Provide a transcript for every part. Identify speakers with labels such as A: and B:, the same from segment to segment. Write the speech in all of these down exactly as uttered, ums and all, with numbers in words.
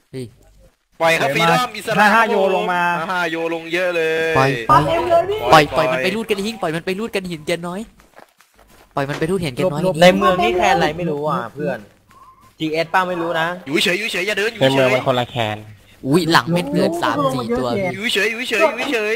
A: ปล่อยครับฟรีดอมอิสระห้าโยลงมาห้าโยลงเยอะเลย
B: ปล่อยปล่อยปล่อยปล่อยมันไปรูดกันหิ้งปล่อยมันไปรูดกันหินเจนน้อยปล่อยมันไปรูดเห็นเจนน้อย
C: ในเมืองนี่แคนอะไรไม่รู้อ่ะเพื่อน จี เอส ป้าไม่รู้นะ
A: อยู่เฉยอยู่เฉยอย่าเดินอยู่เฉย
D: ในเมืองมันคนละแคน
B: อุ้ยหลังเม็ดเกินสามสี่ตัว
A: อยู่เฉยอยู่เฉยอยู่เฉย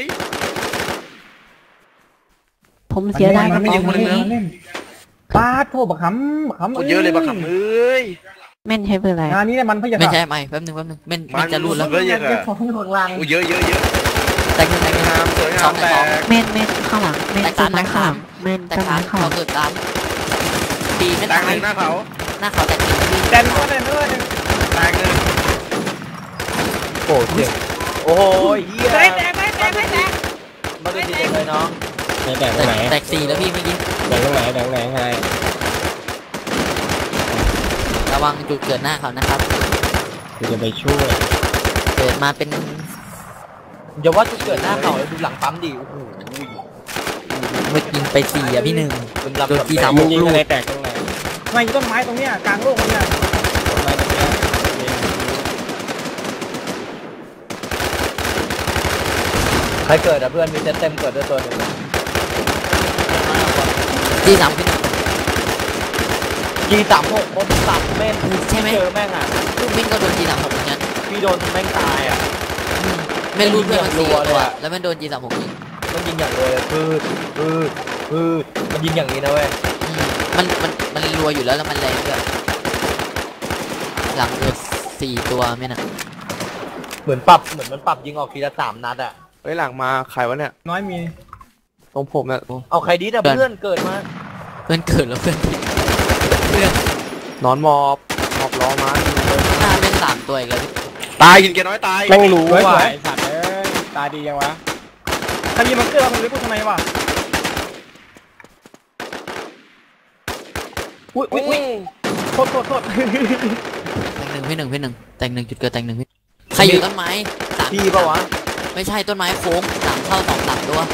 E: ผมเสียดาย
A: มันไม่อยู่คนนึง
F: ป้าโทษบักขำบักขำ
A: คนเยอะเลยบักขำเอ้ย
E: แม่นใช่เพื่ออะไร
F: งานนี้เนี่ยมันพยา
B: ไม่ใช่ไม่แป๊บนึงแป๊บนึงมันมันจะรูดแล้ว
A: เยอะเยอะเยอะเยอะเยอะ
B: แต่งแต่งงาม
A: สวยงามแต่
E: แม่นแม่นข้างหลังแม่นต้นไม้ข้างหลังแม่นต้นไม้ข้างหลัง
B: เขาเกิดตามปีไม่ตาย
A: หน้าเขา
B: หน้าเขาแต่ปี
F: แต่งด้วยแต่งด้วย
A: แตกเลย
C: โอ้เจ็บโอ้ยเฮีย
F: แตกแตกแตกแตกแตก
C: มาดูดีเลยน้อง
D: แตกตรงไหน
B: แตกสี่แล้วพี่เมื่อกี้
D: แตกตรงไหนแตกไหนไง
B: ระวังจุดเกิดหน้าเขานะครับ
D: จะไปช่วย
B: เกิดมาเป็น
C: อย่าว่าจุดเกิดหน้าเขาเลยดูหลังปั๊มดิโอ้โห
B: เมื่อยิงไปสี่อ่ะพี่หนึ่งโดนทีสาม
D: มึงยิงอะไรแตกตรงไหน
F: ไม่ต้นไม้ตรงเนี้ยกลางโลกเนี่ย
D: ต้นไม้ตรงนี้
C: ใครเกิดอ่ะเพื่อนมีเต็มเต็มเกิดด้วยตัวนึง
B: ทีสามพี่
C: จีสามหกคนสามเม่น
B: ใช่ไหม
C: เจอแม่งอ่ะ
B: ลูกเม่นก็โดนทีสามหกเหมือนกัน
C: พี่โดนแม่งตายอ่ะ
B: เม่นรูดเพื่อนมันสี่ตัวแล้วมันโดนทีสามหกยิง
C: มันยิงอย่างเลยคือคือคือมันยิงอย่างนี้นะเว้ย
B: มันมันมันรัวอยู่แล้วแล้วมันแรงด้วยหลังเกิดสี่ตัวไม่นะ
C: เหมือนปรับเหมือนมันปรับยิงออกทีละสามนัดอ่ะ
A: เฮ้ยหลังมาใครวะเนี่ย
F: น้อยมี
A: ตรงผมเนี่ย
C: เอาใครดีแต่เพื่อนเกิดมา
B: เพื่อนเกิดแล้วเพื่อนเพื่อน
A: นอนมอบมอบล้อมา
B: หน้าเป็นสามตัวอีกแล้ว
A: ตายหินแกน้อยตาย
D: ไม่รู้ว่าไอ้สัตว์เอ้ยตาดียังวะ
F: ถ้ามีมันเกิดเราไม่พูดทำไมวะอุ้ยอุ้ยอุ้ยโทษโทษโทษ
B: แต่งหนึ่งพี่หนึ่งพี่หนึ่งแต่งหนึ่งจุดเกิดแต่งหนึ่งพี่ใครอยู่ต้นไม้
C: สามพี่ปะวะ
B: ไม่ใช่ต้นไม้โค้งสามเข้าสองสามตัว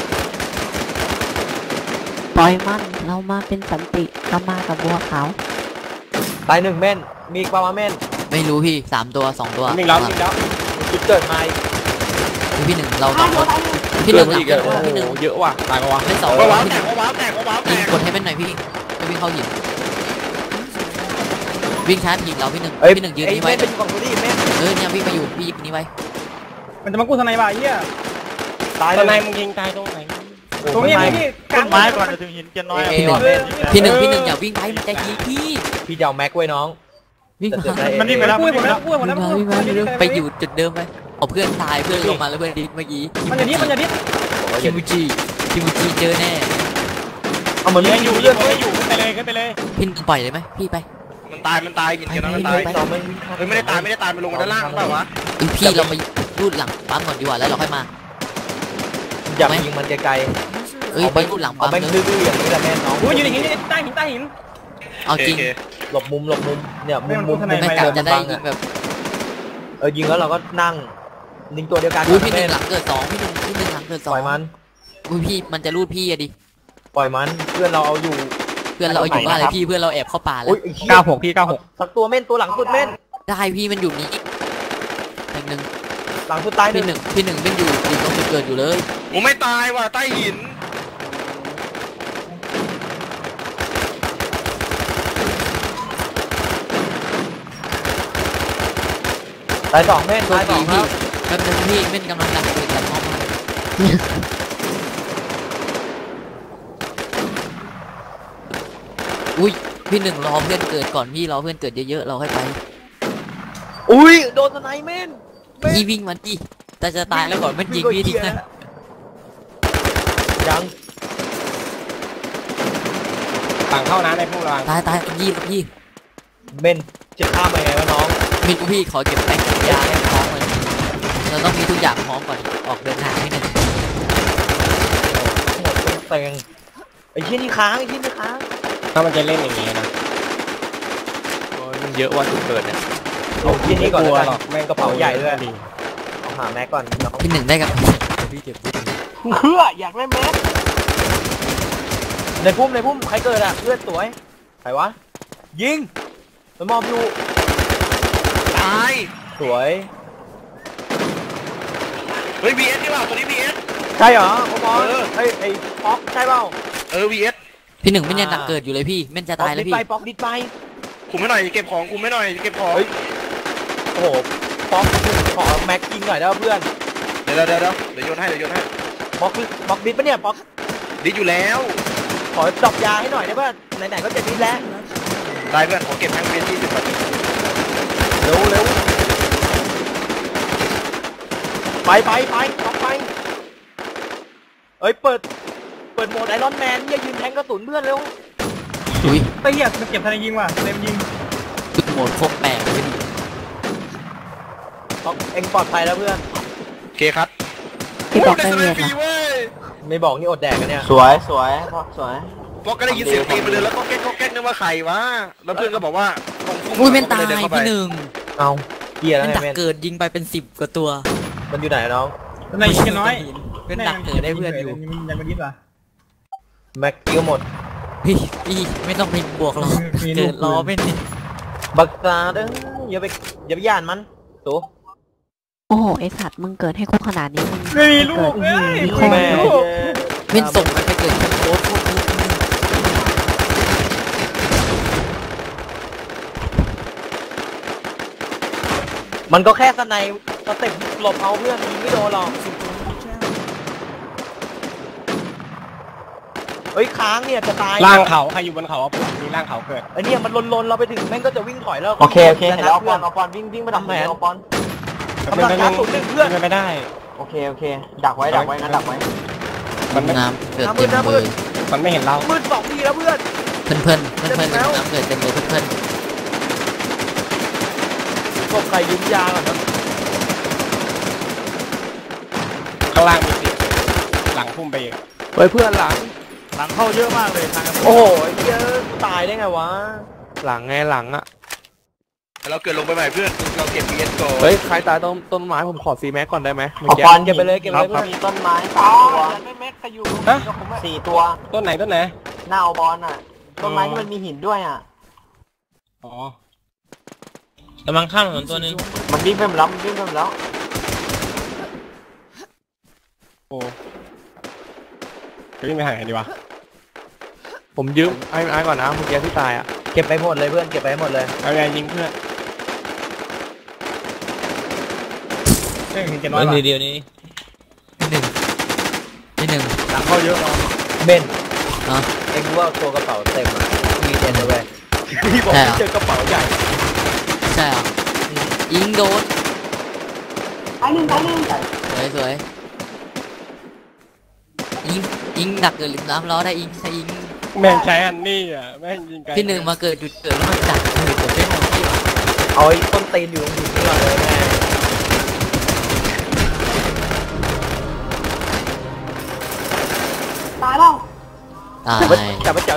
E: ปล่อยมันเรามาเป็นสันติเรามากับบัวขาว
C: ตายหนึ่งเม่นมีปลาเม่น
B: ไม่รู้พี่สามตัวสองตัว
D: หนึ่งแล้วหนึ่งแล้ว
C: จุดเกิดมา
B: พี่หนึ่งเราสองคนพี่หนึ่งอีกพี่หนึ่ง
A: เยอะว่ะ
D: ตายปะวะ
B: ไม่สอง
A: ว้าวแตกว้าวแตกว้าวแตก
B: กดให้เป็นหน่อยพี่จะวิ่งเข้าหินวิ่งชาร์จหินเราพี่หนึ่งพี่หนึ่งยืนนี้ไว้
C: เป็นฝั่งนู้นดิเม่น
B: เออเนี่ยวิ่งมาอยู่พี่ยิงนี้ไว้
F: มันจะมากู้ทนายบ่ายเหี้ย
D: ตายตรงไหนมึงยิงตายตรงไหน
F: ตรงนี้พี่กลาง
G: ไม้ก่อนจะถึงหินเจนน้อย
B: พี่หนึ่งพี่หนึ่งพี่หนึ่งอย่าวิ่งไปมันจะยิงพี่
C: พี่จะเอาแม็กไว้น้อง
B: วิ่งมา
F: มันวิ่งไปแล้ววิ่งไปแล้ววิ่งไปแล้ววิ่ง
B: ไปอยู่จุดเดิมไปเอาเพื่อนตายเพื่อนลงมาแล้วเพื่อนดิ้นเมื่อกี้
F: มันจะดิ้นมันจะดิ้น
B: คิมูจิคิมูจิเจอแน่
C: เอาเหมือนยัง
D: อยู่เลื่อนไม่อยู่ขึ้นไปเลยขึ้นไปเลย
B: พี่ปล่อยเลยไหมพี่ไป
A: มันตายมันตายกินกันแล้วมันตายไม่ได้ตายไม่ได้ตายมันลงมาด้านล่างเปล่าวะ
B: พี่เราไปรูดหลังปั๊มก่อนดีกว่าแล้วเราค่อยมา
C: อยากยิงมันไกล
B: ๆเอ้ยไปรูดหลังปั๊ม
C: เลยดื้อๆอย่างนี้แหละแม่น้อง
F: โอ้ยอยู่ในหินใต้หินใต้หิน
B: เอาจริง
C: หลบมุมหลบมุมเนี่ยมุมมุม
B: ไม่กะจะได้ยิงแบบ
C: เออยิงแล้วเราก็นั่งยิงตัวเดียวกัน
B: อุ้ยพี่หนึ่งหลังเกิดสองพี่หนึ่งพี่หนึ่งหลังเกิดสอง
C: ปล่อยมัน
B: อุ้ยพี่มันจะรูดพี่อะดิ
C: ปล่อยมันเพื่อนเราเอาอยู่
B: เพื่อนเราอยู่บ้านเลยพี่เพื่อนเราแอบเข้าป่าแล้ว
F: เก้าหกพี่เก้าหก
C: สักตัวเม่นตัวหลังสุดเม่น
B: ได้พี่มันอยู่นี้อีกหนึ่ง
C: หลังสุดตาย
B: พี่หนึ่งพี่หนึ่งเป็นอยู่อยู่ตรงจุดเกิดอยู่เลย
A: ผมไม่ตายว่ะใต้หิน
C: ตายสองเม่นตายสอง
B: พี่แป๊บนึงพี่เม่นกำลังดักเกิดจากห้องอุ้ยพี่หนึ่งรอเพื่อนเกิดก่อนพี่รอเพื่อนเกิดเยอะๆเราค่อยไป
C: อุ้ยโดนสไนเม่น
B: พี่วิ่งมันดิแต่จะตายแล้วก่อนมันยิงพี่ทิ้งนะ
C: ยัง
D: ต่างเข้านะในพวกเรา
B: ตายตายยี่พี่
C: เม่นจะฆ่ามาไงวะน้อง
B: มีกูพี่ขอเก็บแป้งยาให้พร้อมเลยเราต้องมีทุกอย่างพร้อมก่อนออกเดินทางให้หนึ่ง
C: หมดเต็งไอ้ที่นี่ค้างไอ้ที่นี่ค้าง
D: ถ้ามันจะเล่นอย่างนี้นะ
A: มันเยอะว่าจุดเกิดเนี่ย
C: เอาที่นี่ก่อนเลยแม่งกระเป๋าใหญ่ด้วยเอาหาแม็กก่อน
B: ที่หนึ่งได้กับพี่เก็บ
C: เพื่ออยากได้แม็กในพุ่มในพุ่มใครเกิดอ่ะเพื่อนสวยใครวะยิงมันมอบอยู่
A: ตาย
C: สวย
A: เฮ้ย วี เอส นี่เปล่าตัวนี้ วี เอส
C: ใช่เหรอโอ้บอล
A: เออ
C: ไอ้ไอ้ป๊อกใช่เปล่า
A: เออ วี เอส
B: พี่หนึ่งไม่เนี่ยหนักเกิดอยู่เลยพี่เม่นจะ
C: ป๊อก
B: ตายแล้ว
C: ดิด
B: พี่
C: ไปป๊อกดิดไป
A: คุมให้หน่อยเก็บของคุมให้หน่อยเก็บของ
C: เฮ้ย โอ้โหป๊อกขอแม็กยิงหน่อยได้ป่ะเพื่อน
A: เดี๋ยวเดี๋ยวเดี๋ยวเดี๋ยวโยนให้เดี๋ยวโยนให้
C: ป๊อกป๊อกดิดปะเนี่ยป๊อก
A: ดิอยู่แล้ว
C: ขอดรอปยาให้หน่อยได้ป่ะไหนๆก็จะดิดแล้ว
A: ได้เพื่อนขอเก็บแทงเบียร์ที่สิบนาที
C: เร็วเร็วไปไปไปป๊อกไปเอ้ยเปิดเปิดโหมดไอรอนแมนเนี่ยยืนแทงกระสุนเพื่อนเร็ว
B: อุ้ย
F: ไอ้เหี้ยมันเก็บทันยิงว่ะเต็มยิง
B: ตึกโหมดโคตรแปลกเลยพี่
C: ป๊อกเอ็งปลอดภัยแล้วเพื่อน
A: โอเคครับ
E: พี่บอกได้
A: โโห
E: เลย
A: ฟรี
E: นะ
A: เว้ย
C: ไม่บอกนี่อดแดกกันเนี่ย
G: สวยสวยป๊อกสวย
A: พอก็ได้ยินเสียงตีนไปเลยแล้วก็แก๊กก็แก๊กนึกว่าใครวะแล้วเพื่อนก็บอกว่าตรงพุ่
B: อุ้ยเม่นตาย
A: ก็ลดิเข้ไป
B: พี่หนึ่ง
C: เอาเกียร์แล้ว
B: เม่น
C: ไง
B: ดัก
C: เมน
B: เกิดยิงไปเป็นสิบกว่าตัว
C: มันอยู่ไหนน้อง
F: ในยิงกันน้อย
B: เม่นดักเกิดได้เพื่อนอยู่
F: ยังไม่ดิ้นว่ะ
C: แม็กกิ้วหมด
B: พี่พี่ไม่ต้องไปบวกหรอก
F: มีลูก
B: เกิดล้อไม่นี่
C: บักตาเด้ออย่าไปอย่าไปย่านมันตัว
E: โอ้โหไอสัตว์มึงเกิดให้กูขนาดนี้มึง
F: ไม่มีลูก
E: เกิ
F: เอ้
E: ด
F: ย
E: มี
F: ไม่
E: แม่
F: มีลูก
B: เม่นส่งมันไปเกิดที่โค้ดโคตร
C: มันก็แค่สไนสเต็ปหลบเอาเพื่อนยิงไม่โดนหรอกเฮ้ยค้างเนี่ยจะตาย
D: ล่างเขาใครอยู่บนเขาอ่ะผมมีล่างเขาเกิด
C: ไอ้เนี่ยมันลนๆเราไปถึงแม่งก็จะวิ่งถอยแล้ว
G: โอเคโอเค
C: จะ
G: เห็นแล้วเอาป
C: เพื่
G: อ
C: อน น
G: เอาปอนวิ่งวิ่งไปดัก
C: ทำแผน
G: เอาปอน
C: กำลังกระสุนหนึ่งเพื่อน
D: เป็นไปไม่ได้
G: โอเคโอเคดักไว้ดักไว้งั้นดักไว้
D: มันไม่
B: น้ำเกิด
C: น้ำมื
B: เต็
C: ด
B: ม
C: น้ำมื
B: เล
C: ด
B: ย
D: มันไม่เห็นเรา
C: มืดสองทีแล้วเพื่อน
B: เพื่อนเพื่อนเพื่อนเพื่อนน้ำเกิดเต็มเลยเพื่อนเพื่อน
C: ศพใครยืมยาก่อนนะ
D: ข้างล่างมีสิหลังพุ่มไปอีก
C: เฮ้ยเพื่อนหลัง
A: หลังเข้าเยอะมากเลยทาง
C: โอ้โหไอ้เหี้ยตายได้ไงวะ
A: หลังไงหลังอะเราเกิดลงไปใหม่เพื่อนเราเก็บ วี เอส ก่อน
C: เฮ้ยใครตายต้นต้นไม้ผมขอซีแม็กก่อนได้ไหม
G: เอาปอน
C: เก็บไปเลยเก็บไปเลยเพื่อน
G: มีต้นไม้สามตัว
C: ไม่แม็กใครอยู่
D: ฮะ
G: สี่ตัว
D: ต้นไหนต้นไหน
G: หน้าเอาบอลอ่ะต้นไม้ที่มันมีหินด้วยอ่ะ
D: อ๋อกำลังข้ามถนนตัวนึง
G: มันวิ่งไปหมดแล้วมันวิ่งไปหมดแล้ว
D: โอ้จะวิ่งไปหาไหนดีวะ
A: ผมยืมไอ้ไอ้ก่อนนะเมื่อกี้ที่ตายอะ
C: เก็บไปหมดเลยเพื่อนเก็บไปหมดเลย
D: เอาไงยิงเพื่อน
F: เฮ้ยเก็บน้อยว่ะ
B: พี่หนึ่งพี่หนึ่ง
A: หลังเข้าเยอะเนาะ
C: เบน
B: ฮะ
C: เอ็งรู้ว่าตัวกระเป๋าเต็มอ่ะมีเต็มเลยเว้ยพี่บอก
B: ใช่เหรอ
C: เจอกระเป๋าใหญ่
B: ใช่เหรอยิงโดน
G: ไปหนึ่งไปหนึ่ง
B: สวยสวยยิงยิงดักเกิดหรือน้ำล้อได้ยิงใช่ยิง
D: แม่งใช้อันนี้อ่ะแม่งยิงไกล
B: พี่หนึ่งมาเกิดจุดเกิดแล้วมันดักเกิดผมได้หมดที่
C: เอาไอ้ต้นตีนอยู่ตรงหินนี่ก่อนเลยแม่
G: ตายแล้ว
B: ตาย
C: แต่ไป